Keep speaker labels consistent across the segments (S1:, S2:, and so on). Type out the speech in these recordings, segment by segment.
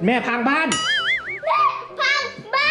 S1: แม่พังบ้าน
S2: แม่พังบ้าน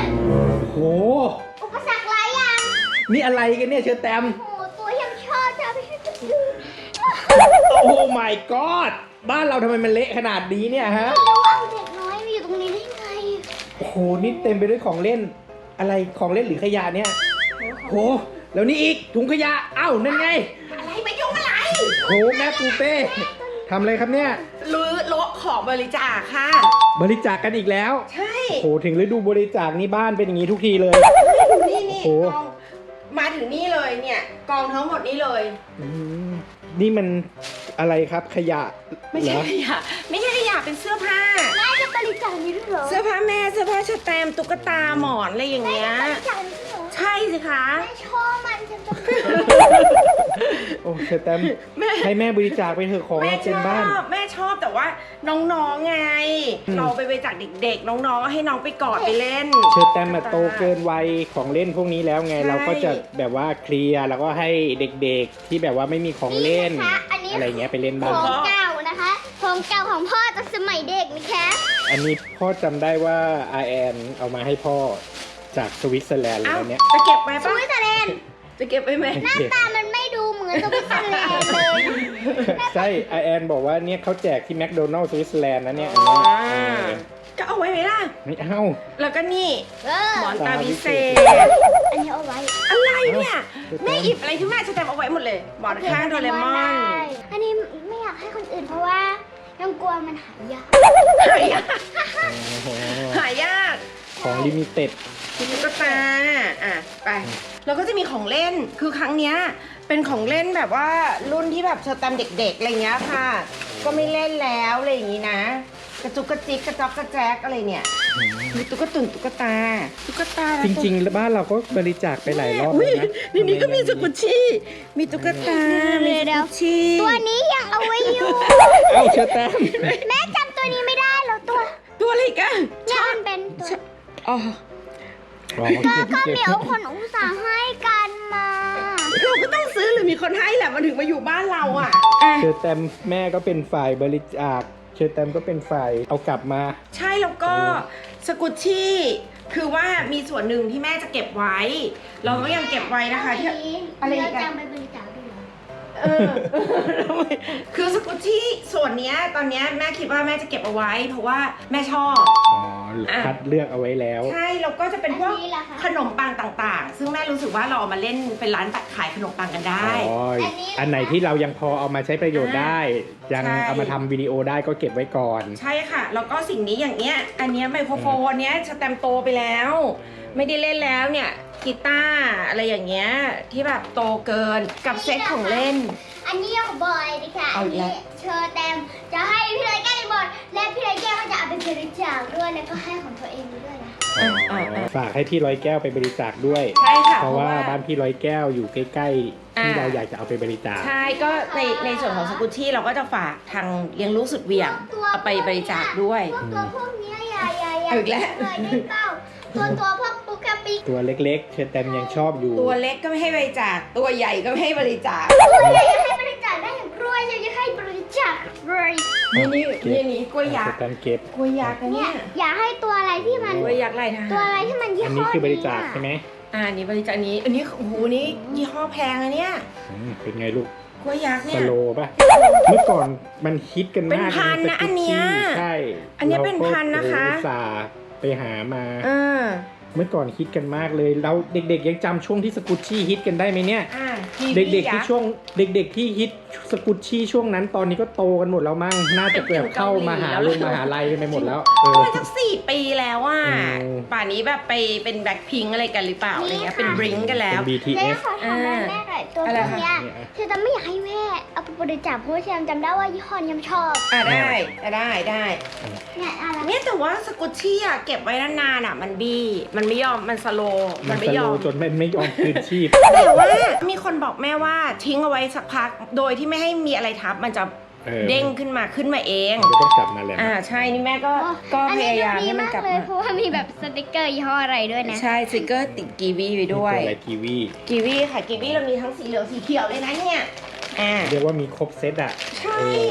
S1: โห
S2: อุปสรรคหลายอย่าง
S1: นี่อะไรกันเนี่ยเชอแตม
S2: โอ้ตัวยังชอบจะไม่ใช่ตัวอื่น
S1: โอ้ my god บ้านเราทำไมมันเละขนาดนี้เนี่ยฮะ
S2: ไม่รู้ว่าเด็กน้อยมาอยู่ตรงนี้ได้ไง
S1: โอ้โหนี่เต็มไปด้วยของเล่นอะไรของเล่นหรือขยะเนี่ยโหแล้วนี่อีกถุงขยะเอ้านั่นไง
S3: อะไรไปยุ่งอะไร
S1: โหแม่ปูเป้ทำอะไรครับเนี่ย
S3: รื้อโละของบริจาคค่ะ
S1: บริจาคกันอีกแล้ว
S3: ใช่
S1: โหถึงฤดูบริจาคนี่บ้านเป็นอย่างนี้ทุกทีเลย
S3: นี่นี่
S1: โอ้
S3: กองมาถึงนี่เลยเนี่ยกองทั้งหมดนี้เลย
S1: อืมนี่มันอะไรครับขยะ
S3: ไม่
S1: เหร
S3: ใช่
S1: อ
S3: ขยะไม่ใช่ขยะเป็นเสื้อผ้า
S2: แม่จะบริจาคนี้ด้วยเหรอ
S3: เสื้อผ้าแม่เสื้อผ้าชแตมตุ๊กตาหมอนอะไรอย่างเงี้ย
S2: บริจาคนี้ด้วยเหรอ
S3: ใช่สิคะ
S2: แม่ชอบมันฉันจะ
S1: โอ้เชอแตม
S3: แม่
S1: ให้แม่บริจาคไปเถอะของ
S3: แม่
S1: เรา
S3: ช
S1: เต็ม
S3: อ
S1: บ้าน
S3: บแม่ชอบแต่ว่าน้องๆไง
S1: อืม
S3: เราไปบริจาคเด็กๆ น้องๆก็ให้น้องไปกอดไปเล่น
S1: เชอแตมมาโตเกินวัยของเล่นพวกนี้แล้วไง
S3: ใช่
S1: เราก็จะแบบว่าเคลียร์แล้วก็ให้เด็กๆที่แบบว่าไม่มีของเล่น
S2: นะคะอันนี้
S1: อะไรเงี้ยไปเล่น
S2: ข
S1: บ้าง
S2: องเก่านะคะของเก่าของพ่อตอนสมัยเด็กนะคะ
S1: อันนี้พ่อจำได้ว่าอาแอนเอามาให้พ่อจากสวิตเซอร์แลนด์เลย
S3: เอ้า
S1: นะเนี่ย
S3: จะเก็บไว้
S2: ส
S3: ปะ
S2: วิตเซอร์แลนด์
S3: จะเก็บไว้ไหม
S2: หน้าตามันไม่ดูเหมือนสวิตเซอร์แลนด์เลย
S1: ใช่อาแอนบอกว่าเนี่ยเขาแจกที่แมคโดนัลล์สวิตเซอร์แลนด์นะเนี่ยอันเนี้ย
S3: ก็เอาไว้ไหมล่ะ
S1: ไม่เอา
S3: แล้วก็นี่
S2: เออ
S3: หมอนตาวิเศษ
S2: อันนี้เอาไว้
S3: อะไรเนี่ยแม่หยิบอะไรที่แม่จะแตมเอาไว้หมดเลย หมอนข้างโดเรมอน
S2: ได้อันนี้ไม่อยากให้คนอื่นเพราะว่ายังกลัวมันหายาก
S3: หายาก
S1: โอ้โห
S3: หายาก
S1: ของลิมิเต็ด
S3: ตุ๊กตาอ่ะไปแล้วก็จะมีของเล่นคือครั้งเนี้ยเป็นของเล่นแบบว่ารุ่นที่แบบเชอแตมเด็กๆอะไรเงี้ยค่ะ ก็ไม่เล่นแล้วอะไรอย่างงี้นะ กระจุกกระจิกกระจอกกระแจกอะไรเนี่ยมีตุ๊กตุ่นตุ๊กตา
S1: จริงๆแล้วบ้านเราก็บริจาคไปหลายรอบ
S3: อุ้
S1: แล้ว
S3: ย
S1: นะ
S3: นี่ก็มีสกุชชี่มีตุ๊กตามีสกุชชี่
S2: ตัวนี้ยังเอาไว้อยู่
S1: เอ้าเชอแตม
S2: แม่จำตัวนี้ไม่ได้แล้วตัว
S3: ตัวอะไรอีกัน
S2: เนี่ยมันเป็นตัว
S3: อ๋อ
S1: อ๋อ
S2: ก็เดี๋ยวคนอุตส่าห์ให้กันมา
S3: เราก็ต้องซื้อหรือมีคนให้แหละมันถึงมาอยู่บ้านเราอ่ะอ่ะ
S1: เชอแตมแม่ก็เป็นฝ่ายบริจาคเชอแตมก็เป็นฝ่ายเอากลับมา
S3: ใช่แล้วก็สกุชชี่คือว่ามีส่วนหนึ่งที่แม่จะเก็บไว้ เราก็ยังเก็บไว้นะคะที่อะไรอีก
S2: เรา
S3: อะ
S2: จำไปบริจาคด้วยเหรอ
S3: เออ คือสกุชชี่ส่วนเนี้ยตอนเนี้ยแม่คิดว่าแม่จะเก็บเอาไว้ เพราะว่าแม่ชอบ
S1: อ๋อคัดเลือกเอาไว้แล้ว
S3: ใช่แล้วก็จะเป็นพวก
S2: อันนี้ล่ะคะ
S3: ขนมปังต่างๆ ซึ่งแม่รู้สึกว่าเราเอามาเล่นเป็นร้านตัดขายขนมปังกันได้
S1: อ๋ออันไหนที่เรายังพอเอามาใช้ประโยชน์ได้ ยัง
S3: ใช่
S1: เอามาทำวิดีโอได้ก็เก็บไว้ก่อน
S3: ใช่ค่ะ แล้วก็สิ่งนี้อย่างเนี้ย อันเนี้ยไมโครโฟนเนี้ยสแตมโตไปแล้ว ไม่ได้เล่นแล้วเนี่ยกีตาร์อะไรอย่างเงี้ยที่แบบโตเกินกับเซ็ตของเล่น
S2: อันนี้ของบอยนะคะ
S3: เอา
S2: อัน
S3: อีกแล้
S2: นี้
S3: ว
S2: เชอแตมจะให้พี่ไรแก้วบอลและพี่ไรแก้วก็จะเอาไปบริจาคด้วยแล้วก็ให้ของตัวเองด้วยนะ
S1: ฝากให้พี่ร้อยแก้วไปบริจาคด้วย
S3: ใช่ค่ะ
S1: เพราะว่าบ้านพี่ร้อยแก้วอยู่ใกล้ๆที่เราอยากจะเอาไปบริจาค
S3: ใช่ก็ในส่วนของสกุชชี่เราก็จะฝากทางเลี้ยงรู้สุดเหวี่ยงเอาไปบริจาคด้วย
S2: พวกเนี้ยอย่า
S3: เอาอีกแล้ว
S2: เลยได้เปล่าตัวพวกปุ๊กกะปิ
S1: ตัวเล็กๆเชอแตมยังชอบอยู่
S3: ตัวเล็กก็ไม่ให้บริจาคตัวใหญ่ก็ไม่ให้บริจาค
S2: ตัวใหญ่จะให้บริจาคได้อย่างกล้วยจะให้บริจาคเลย
S3: นี่กล้วยยั
S1: เช
S3: ก
S1: อ
S3: ษ์
S1: แตมเก็บ
S3: กล้วยยักษ์นะ
S2: เนี่
S3: เนี่ย ย
S2: อย่าให้ตัวอะไรที่มัน
S3: กล้วยยักษ์ลายทหาร
S2: ตัวอะไรที่มันยี่
S1: อัน
S2: ห้
S1: นี้
S2: อ
S1: คือบริจาคใช่ไหม
S3: อันนี้บริจาคอันนี้โอ้โหนี่ยี่ห้อแพงอะเนี่ย
S1: เป็นไงลูก
S3: กล้วยยักษ์
S1: ส
S3: เนี่ย
S1: โลป่ะ เมื่อก่อนมันฮิตกันมาก
S3: เป็นพันนะ
S1: สกุชชี่
S3: อันเนี้ย
S1: ใช่
S3: อันเนี้ยเป็นพันนะคะ
S1: เราก็อุตส่าห์ไปหามา
S3: เออ
S1: เมื่อก่อนฮิตกันมากเลยเราเด็กๆยังจำช่วงที่สกุชชี่ฮิตกันได้ไหมเนี่ย เด็กๆที่ช่วงเด็กๆที่ฮิตสกุชชี่ช่วงนั้นตอนนี้ก็โตกันหมดแล้วมั้งน่าจะแบบเข้ามหาลัยกันไปหมดแล้วเออ
S3: มันสัก4 ปีแล้วอ่ะ
S1: อืม
S3: ป่านนี้แบบไปเป็นแบล็คพิงอะไรกันหรือเปล่าอะไรเงี้ยเป็นบริงกันแล้
S1: เป็
S3: ว
S1: น
S2: แม่
S1: BTS
S2: ขอถามแม่หน่อยตัว
S3: อะไร
S2: พวก
S3: คะ
S2: เนี้ยคือจะไม่อยากให้แม่เอาไปบริจาคเพราะว่าฉันจำได้ว่ายี่ห้อนี้มันชอบ
S3: ได้ได้
S2: เนี่ยอะไร
S3: เนี่ยแต่ว่าสกุชชี่อ่ะเก็บไว้นานๆอ่ะมันบี้มันไม่ยอมมันสโลว์
S1: มั
S3: มัน น
S1: ส
S3: ไม่ย
S1: โล
S3: อม
S1: จนไม่ยอมคืนชีพ
S3: แต่ว่ามีคนบอกแม่ว่าทิ้งเอาไว้สักพักโดยที่ไม่ให้มีอะไรทับมันจะ
S1: เออ
S3: เด้งขึ้นมาเอง
S1: มันจะต้องกลับมาแหละ
S3: ใช่นี่แม่ก็
S2: อัน
S3: พ
S2: นี้
S3: ยายาม
S2: ดี
S3: ให้มัน
S2: มาก
S3: กลับ
S2: เลย
S3: มา
S2: เพราะว่ามีแบบสติกเกอร์ยี่ห้ออะไรด้วยนะ
S3: ใช่สติกเกอร์ติดกีวีไปด้วย
S1: มีตัวอะไรกีวี
S3: กีวีค่ะกีวีเรามีทั้งสีเหลืองสีเขียวเลยนะเนี่ย
S1: เรียกว่ามีครบเซตอ่ะ
S3: ใช่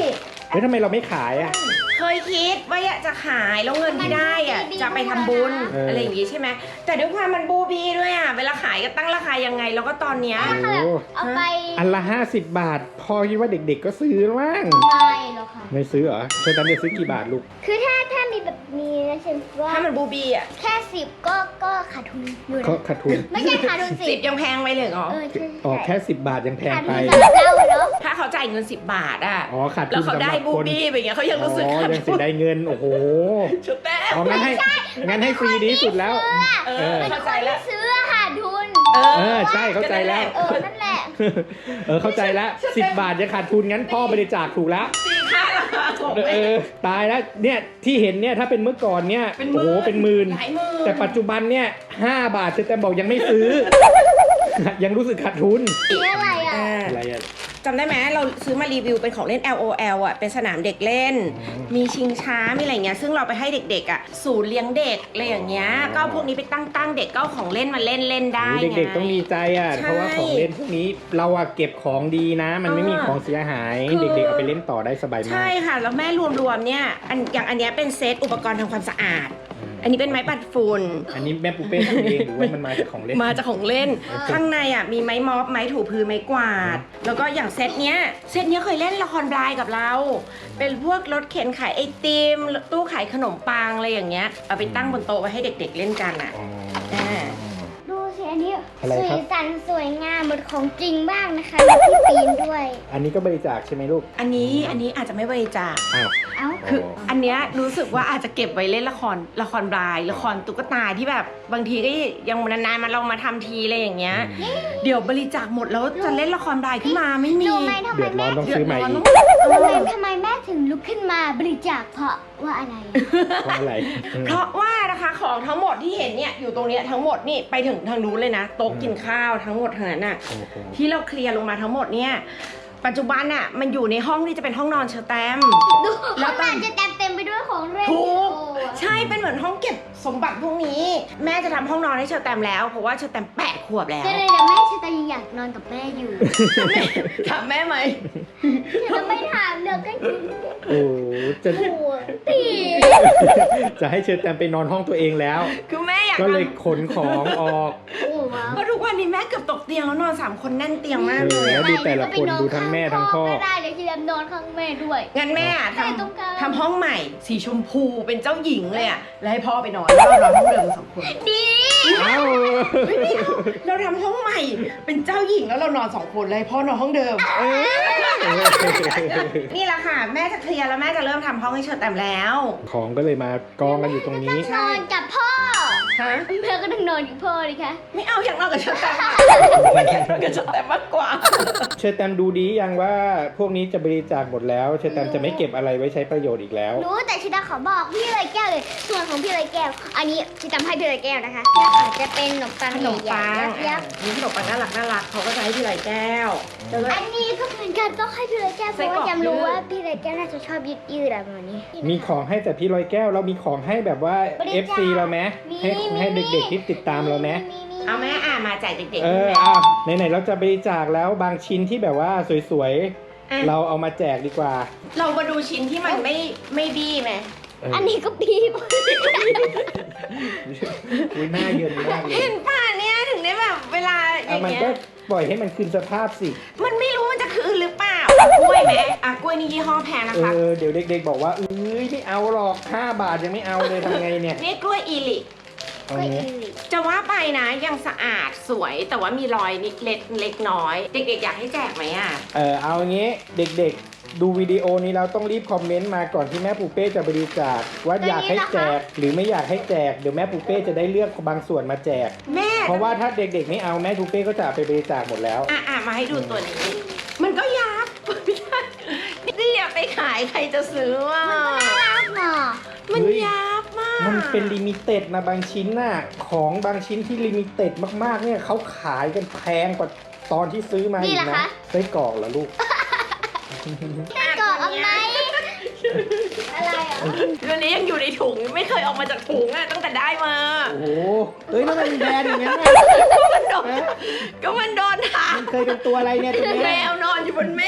S1: เฮ้ยทำไมเราไม่ขายอ่ะ
S3: เคยคิดว่าอยากจะขายแล้วเงินที่ได้อะจะไปทำบุญอะไรอย่างงี้ใช่ไหมแต่ด้วยความมันบูบี้ด้วยอ่ะเวลาขายก็ตั้งราคายังไงแล้วก็ตอนเนี้ย
S1: โอ้โห
S2: เอาไป
S1: อันละ50 บาท พอคิดว่าเด็กๆก็ซื้อแล้วมั้ง
S2: ไม่หรอกค่ะ
S1: ไม่ซื้อเหรอเชอร์แตมจะซื้อกี่บาทลูก
S2: คือถ้ามีแบบนี้นะฉันว่า
S3: ถ้ามันบูบี้อ่ะ
S2: แค่10ก็ขาดทุนอยู่
S1: เขา
S2: นะ
S1: ขาดทุน
S2: ไม่ใช่ขาดทุน
S3: 10ยังแพงไปเลยเหรอ
S2: ใช่
S1: อ๋อแค่ 10 บาทยังแพง
S2: ขาด
S1: ไป
S2: ทุนสำหรับเราเนาะ
S3: ถ้าเขาจ่ายเงิน10 บาทอ่ะ
S1: อ๋อขาด
S3: แล้
S1: ทุ
S3: วน เขา
S1: สำห
S3: ได้
S1: รับ
S3: บู
S1: คน
S3: บี้ไปอย่างเงี้ยเขายังรู้สึก
S1: อ๋อ
S3: ขาด
S1: ยัง
S3: ทุ
S1: เสี
S3: น
S1: ยดายเงินโอ้โห
S3: ชุดแต้ม
S1: อ๋องั้นให้ฟรีดีสุดแล้ว
S3: เออ
S2: เป็น
S3: เข้า
S2: ค
S3: ใจ
S2: น
S3: แล้
S2: ที่
S3: ว
S2: ซื้อขาดทุน
S1: เออใช่เข้าใจแล้ว
S2: นั่นแหละ
S1: เข้าใจแล้ว10 บาทจะขาดทุนงั้นพ่อบริจาคถูกแล้ว
S3: ตีค่าราคาของ
S1: เออตายแล้วเนี่ยที่เห็นเนี่ยถ้าเป็นเมื่อก่อนเนี่ย
S3: เป็นหมื่น
S1: โอ้โหเป็นหมื่น
S3: หลายหมื่น
S1: แต่ปัจจุบันเนี่ย5 บาทแต่บอกยังไม่ซื้อ ยังรู้สึกขาดทุน
S2: นี่อะไรอ่ะ
S1: อะไรอ่ะ
S3: จำได้ไหมเราซื้อมารีวิวเป็นของเล่น LOL อ่ะเป็นสนามเด็กเล่น มีชิงช้ามีอะไรเงี้ยซึ่งเราไปให้เด็กๆอ่ะศูนย์เลี้ยงเด็กอะไรอย่างเงี้ยก็เอาพวกนี้ไปตั้งเด็กก็เอาของเล่นมาเล่นได้ไง
S1: เด็กๆต้องดีใจอ่ะ
S3: ใช่
S1: เพราะว่าของเล่นพวกนี้เราอะเก็บของดีนะ มันไม่มีของเสียหาย
S3: คือ
S1: เด็กๆเอาไปเล่นต่อได้สบายมา
S3: ใช่
S1: ก
S3: ค่ะ แล้วแม่รวมๆเนี่ยอย่างอันเนี้ยเป็นเซตอุปกรณ์ทำความสะอาด อันนี้เป็นไม้ปัดฝุ่น
S1: อันนี้แม่ปูเป้ทำเองหรือว่ามันมาจากของเล่น
S3: มาจากของเล่น ข้างในอ่ะมีไม้ม็อบไม้ถูพื้นไม้กวาด แล้วก็อย่างเซตเนี้ยเคยเล่นละครบลายกับเรา เป็นพวกรถเข็นขายไอติมตู้ขายขนมปังอะไรอย่างเงี้ยเอาไปตั้งบนโต๊ะไว้ให้เด็กๆเล่นกันอ่ะ
S1: อ๋อ
S3: อ่า
S2: ดูสิอันนี้
S1: อะไร
S2: สี
S1: ครับ
S2: สันสวยงามเหมือนของจริงมากนะคะมีที่ปีนด้วย
S1: อันนี้ก็บริจาคใช่ไหมลูก
S3: อันนี้อาจจะไม่บริจาค
S1: อ้าว
S2: เอ้า
S3: คืออันเนี้ยรู้สึกว่าอาจจะเก็บไว้เล่นละครบลายละครตุ๊กตาที่แบบบางทีก็ยังนานๆมาลองมาทำทีอะไรอย่างเงี้ย เดี๋ยวบริจาคหมดแล้วจะเล่นละครบลายขึ้นมาไม่มี
S2: รู้ไหมทำไม
S1: เดือดร้
S2: แม่
S1: อนต้องซื้อใหม่อีก
S2: ทำไมแม่ถึงลุกขึ้นมาบริจาคเพราะว่าอะไร
S1: เพราะอะไรอืม
S3: เพราะว่านะคะของทั้งหมดที่เห็นเนี่ยอยู่ตรงเนี้ยทั้งหมดนี่ไปถึงทางนู้นเลยนะโต๊ะกินข้าวทั้งหมดทั้งนั้นน่ะ
S1: โอ้โห
S3: ที่เราเคลียร์ลงมาทั้งหมดเนี่ยปัจจุบันน่ะมันอยู่ในห้องที่จะเป็นห้องนอนเชอแตม
S2: ดู
S3: แล้
S2: ข้าว ง
S3: ต
S2: ใน
S3: อน
S2: จะเต็มไปด้วยของเล่น
S3: ถูก
S2: โอ้
S3: ใช่เป็นเหมือนห้องเก็บสมบัติพวกนี้ แม่จะทำห้องนอนให้เชอแตมแล้วเพราะว่าเชอแตม8 ขวบแล้ว
S2: เดี๋ยวแม่ชะตายังอยากนอนกับแม่อยู่
S3: ถามแม่ไหม
S2: จะไม่ถามเดี๋ยวก็ยิง
S1: โอ้จะ
S2: หัวตี
S1: จะให้เชิญแตมไปนอนห้องตัวเองแล้ว
S3: คือแม่อยาก
S1: ก็เลย
S3: ทำ
S1: ขนของออก
S2: โอ้ว้าว
S3: เพราะทุกวันนี้แม่เกือบตกเตียงแล้วนอน3 คนแน่นเตียงมากเลย
S1: แล้ว
S3: อะ
S1: ดูแต่ละคนดูทั้งแม่ทั้งพ่อ
S2: ก็ได้เดี๋ยวจะแบบนอนข้างแม่ด้วย
S3: งั้นแม่อะ
S2: แม่ต้องการ
S3: ทำห้องใหม่สีชมพูเป็นเจ้าหญิงเลยอะแล้วให้พ่อไปนอนแล้วเรานอนห้องเดิม2 คน
S2: ดี
S1: เอ้า
S3: เราทำห้องใหม่เป็นเจ้าหญิงแล้วเรานอน2 คนเลยพ่อนอนห้องเดิม นี่แหละค่ะ แม่จะเคลียร์แล้วแม่จะเริ่มทำห้องให้เชอแตมแล้ว
S1: ของก็เลยมากองกันอยู่ตรงนี้
S2: นอนกับพ่อ
S3: ฮะ
S2: แม่ก็ต้องนอนกับพ่อดิคะ
S3: ไม่เอาอยากนอนกับเชอแตมอะไม่อยากนอนกับเชอแตมมากกว่า
S1: เชอแตมดูดียังว่าพวกนี้จะบริจาคหมดแล้ว เชอแตมจะไม่เก็บอะไรไว้ใช้ประโยชน์อีกแล้ว
S2: รู้แต่ชิดาขอบอกพี่เลยแก้วเลย ส่วนของพี่เลยแก้ว อันนี้ชิดาให้พี่เลยแก้วนะคะจะเป็นขนมปัง
S3: ขนมปัง
S2: ใหญ่ๆยักษ์
S3: มีขนมปังน่ารักเขาก็จะให้พี่ไหลแก้วแล้วก็
S2: อันนี้ก็เหมือนกันต้องให้พี่เลยแก้วเพ
S3: ไส้
S2: ราะ
S3: กร
S2: ว่า
S3: อก
S2: จำรู้
S3: ยืด
S2: ว่าพี่เลยแก้วน่าจะชอบยืดๆอะไรประมาณนี้
S1: มีของให้แต่พี่ลอยแก้วเรามีของให้แบบว่า
S2: บริจาค
S1: FC เราไหมให้เด็กๆที่ติดตามเราไหม
S3: เอาแม่มาแจกเด็กๆ
S1: เออ
S3: แม่
S1: อ่ะไหนๆเราจะบริจาคแล้วบางชิ้นที่แบบว่าสวย
S3: อ่ะ
S1: ๆ เราเอามาแจกดีกว่า
S3: เรามาดูชิ้นที่มันไม่บี้ไหม
S2: อันนี้ก็ปีบ
S1: อุ้ยหน้าเยินมากเลย
S3: เห็นป่ะเนี่ยถึงได้แบบเวลาอ
S1: อ่ะ
S3: ย่าง
S1: มัน
S3: เงี้ย
S1: ก็ปล่อยให้มันคืนสภาพสิ
S3: มันไม่รู้มันจะคืนหรือเปล่าอ่ะกล้วยไหมอ่ะกล้วยนี่ยี่ห้อแพงนะคะ
S1: เดี๋ยวเด็กๆบอกว่าเอ้ยไม่เอาหรอก5 บาทยังไม่เอาเลยทำไงเนี่ย
S3: นี่กล้วยอีลิ
S1: เอา
S2: ก็
S1: เนี้
S2: อี
S1: ย
S2: ลิ
S3: จะว่าไปนะยังสะอาดสวยแต่ว่ามีรอยนิดเล็กน้อย เด็กๆอยากให้แจกไหมอ่ะ
S1: เอางี้เด็กๆ ดูวิดีโอนี้เราต้องรีบคอมเมนต์มาก่อนที่แม่ปูเป้จะบริจาคว่าอยากให้แจกหรือไม่อยากให้แจกเดี๋ยวแม่ปูเป้จะได้เลือกบางส่วนมาแจก
S3: แม่
S1: เพราะว่าถ้าเด็กๆไม่เอาแม่ปูเป้ก็จะเอาไปบริจาคหมดแล้ว
S3: อ่ะมาให้ดูตัวนี้ มันก็ยับ ไม่ใช่นี่อย่าไปขายใครจะซื้ออ่ะ
S2: น่ารักเนาะ
S3: มัน
S1: เฮ้ย
S3: ยับมาก
S1: มันเป็นลิมิเต็ดนะบางชิ้นน่ะของบางชิ้นที่ลิมิเต็ดมากๆเนี่ยเขาขายกันแพงกว่าตอนที่ซื้อมาอีกนะไส้กรอกเหรอลูก
S2: กรอกเอาไหมอะไรอ่ะ
S3: ตัวนี้ยังอยู่ในถุงไม่เคยออกมาจากถุงอ่ะตั้งแต่ได้มา
S1: โอ้โหเอ้ยแล้วมันแบรนด์อย่างนั้นน่ะ
S3: มันโดนก็มันโดนถาม
S1: มันเคยเป็นตัวอะไรเนี่ยตัว
S3: แม
S1: เนี้ยว
S3: นอนอยู่บนเมฆ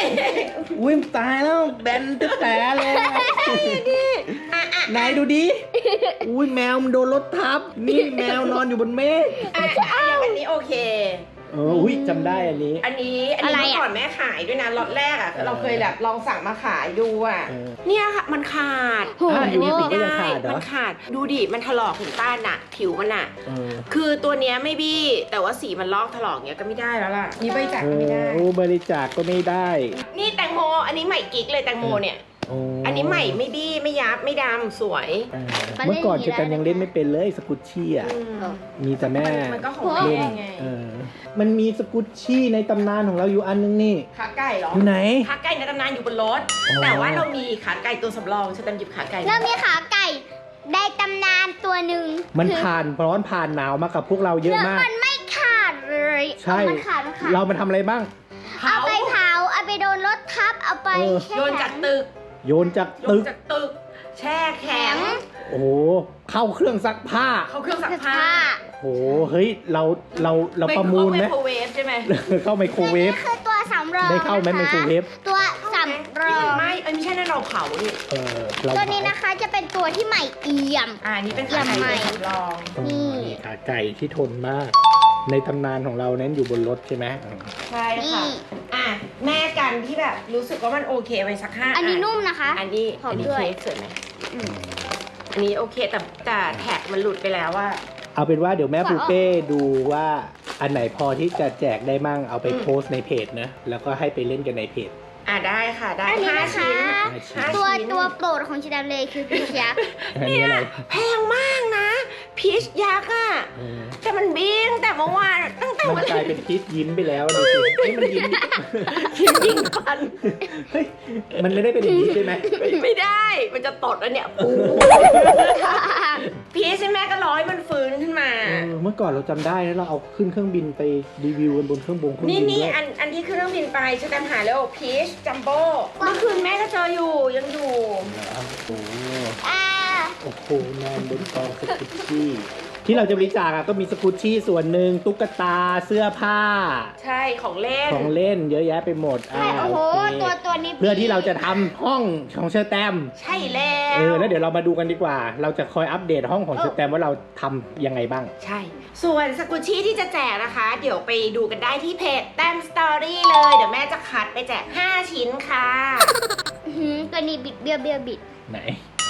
S1: อุ้ยตายแล้วแบนตึ๊ดแต่เลยไหนดูดิอุ้ยแมวมันโดนรถทับนี่แมวนอนอยู่บนเมฆ
S3: อันนี้โอเค
S1: อุ้ยจำได้อันนี้
S3: อันนี้เมื่อก่อนแม่ขายด้วยนะล็อตแรกอ่ะเราเคยแบบลองสั่งมาขายดูอ่ะเนี่ยค่ะมันขาด
S1: อันนี้ไม่
S3: ได้
S1: ได้ขาดเหรอ
S3: มันขาดดูดิมันถลอกเห็นต้านอ่ะผิวมันอ่ะคือตัวเนี้ยไม่บี้แต่ว่าสีมันลอกถลอกเนี้ยก็ไม่ได้แล้วล่ะนี่บริจาคก็ไม่ได้
S1: โอ้บริจาคก็ไม่ได้
S3: นี่แตงโมอันนี้ใหม่กิ๊กเลยแตงโมเนี่ยอันนี้ใหม่ไม่บี้ไม่ยับไม่ดำสวย
S1: เมื่อก่อนเจอกันยังเล่นไม่เป็นเลยสกุชชี่อ่ะมีแต่แม่
S3: มันก็ของแม่
S1: เล่น
S3: ไง
S1: มันมีสกุชชี่ในตำนานของเราอยู่อันนึงนี่
S3: ขาไก่เหรอ
S1: อยู่ไหน
S3: ขาไก่ในตำนานอยู่บนรถ
S1: อ๋อ
S3: แต่ว่าเรามีขาไก่ตัวสำรองฉันจำหยิบขาไก่
S2: แล้วมีขาไก่ในตำนานตัวหนึ่ง
S1: มันผ่านร้อนผ่านหนาวมากับพวกเราเยอะ
S2: แล้ว
S1: มาก
S2: มันไม่ขาดเลย
S1: ใช่
S2: มันขาด
S1: เรามาทำอะไรบ้าง
S2: เอาไปเผาเอาไปโดนรถทับเอาไปแช่
S3: โยนจากตึก
S1: โยนจาก
S3: โย
S1: ตึ
S3: น
S1: ก
S3: จากตึก แช่แข็ง
S1: โอ้โหเข้าเครื่องซักผ้า
S3: เข้าเครื่องซัก
S2: ผ้า
S3: ผ้า
S1: โอ้โหเฮ้ยเราประมูลไหม
S3: ไมโครเวฟใช่ไหม
S1: เข้าไมโครเวฟ
S2: นี่คือตัวสำรอง
S1: ได้เข้าไหม
S2: นะคะ
S1: ไมโครเวฟ
S2: ตัวสำรอง
S3: ไม่ไม่ใช่นั่นเราเผานี่
S1: เรา
S2: ตัวนี้นะคะจะเป็นตัวที่ใหม่เอี่ยม
S3: อันนี้เป็นขาไก่ตัวสำรอง
S2: นี่
S1: ขาไก่ที่ทนมาก ในตำนานของเรานั้นอยู่บนรถใช่ไหม
S3: ใช่ค่ะอ่ะแม่กันที่แบบรู้สึกว่ามันโอเคไปสัก5
S2: อันนี้นุ่มนะคะ
S3: อันนี้
S2: หอม
S3: อันนี้
S2: ด้วย
S3: เค้กสวยไหมอันนี้โอเคแต่แท็กมันหลุดไปแล้วว่า
S1: เอาเป็นว่าเดี๋ยวแม่ปูเป้ดูว่าอันไหนพอที่จะแจกได้มั่งเอาไปโพสต์ในเพจนะแล้วก็ให้ไปเล่นกันในเพจ
S3: ได้ค่ะได้
S2: อันนี้
S3: 5
S2: นะคะ
S3: ชิ้น
S1: ห้าชิ้น
S2: ตัวโปรดของชิดามเลยคือพีชยักษ์
S1: อันนี้อะไร
S3: แพงมากนะพีชยักษ์อ่ะ แต่มันบิ้งแต่เมื่อวานตั้งแต่
S1: มัน
S3: วัน
S1: กลายเป็นพีชยิ้มไปแล้วดูสิเฮ้ยมันยิ้ม
S3: ยิงฟัน
S1: เฮ้ยมันไม่ได้เป็นอย่างนี้ใช่ไหม
S3: ไม่ได้ มันจะตดแล้วเนี่ยปูพีชใช่ไหมก็ร้อยมันฟื้นขึ้นมา
S1: เมื่อก่อนเราจำได้นะเราเอาขึ้นเครื่องบินไปรีวิวกันบนเครื่องบิน
S3: นี่
S1: ด้วย
S3: อันที่ขึ้นเครื่องบินไปช่วยกันหาแล้วพีชจัมโบ้เมื่อคืนแม่ก็เจออยู่ยังอยู่
S1: โอ้โหนอนบนกองสกุชชี่ที่เราจะบริจาคก็มีสกุชชี่ส่วนหนึ่งตุ๊กตาเสื้อผ้า
S3: ใช่ของเล่น
S1: ของเล่นเยอะแยะไปหมด
S2: ใช่โอ้โห
S1: เค
S2: ตัวนี้
S1: เพื่อที่เราจะทำห้องของเชอร์แตม
S3: ใช่แล้ว
S1: แล้วเดี๋ยวเรามาดูกันดีกว่า เราจะคอยอัปเดตห้องของเชอร์แตมว่าเราทำยังไงบ้าง
S3: ใช่ ส่วนสกุชชี่ที่จะแจกนะคะ เดี๋ยวไปดูกันได้ที่เพจแต้มสตอรี่เลย เดี๋ยวแม่จะคัดไปแจก5 ชิ้นค่ะ
S2: ตัวนี้บิดเบี้ยวบิด
S1: ไหน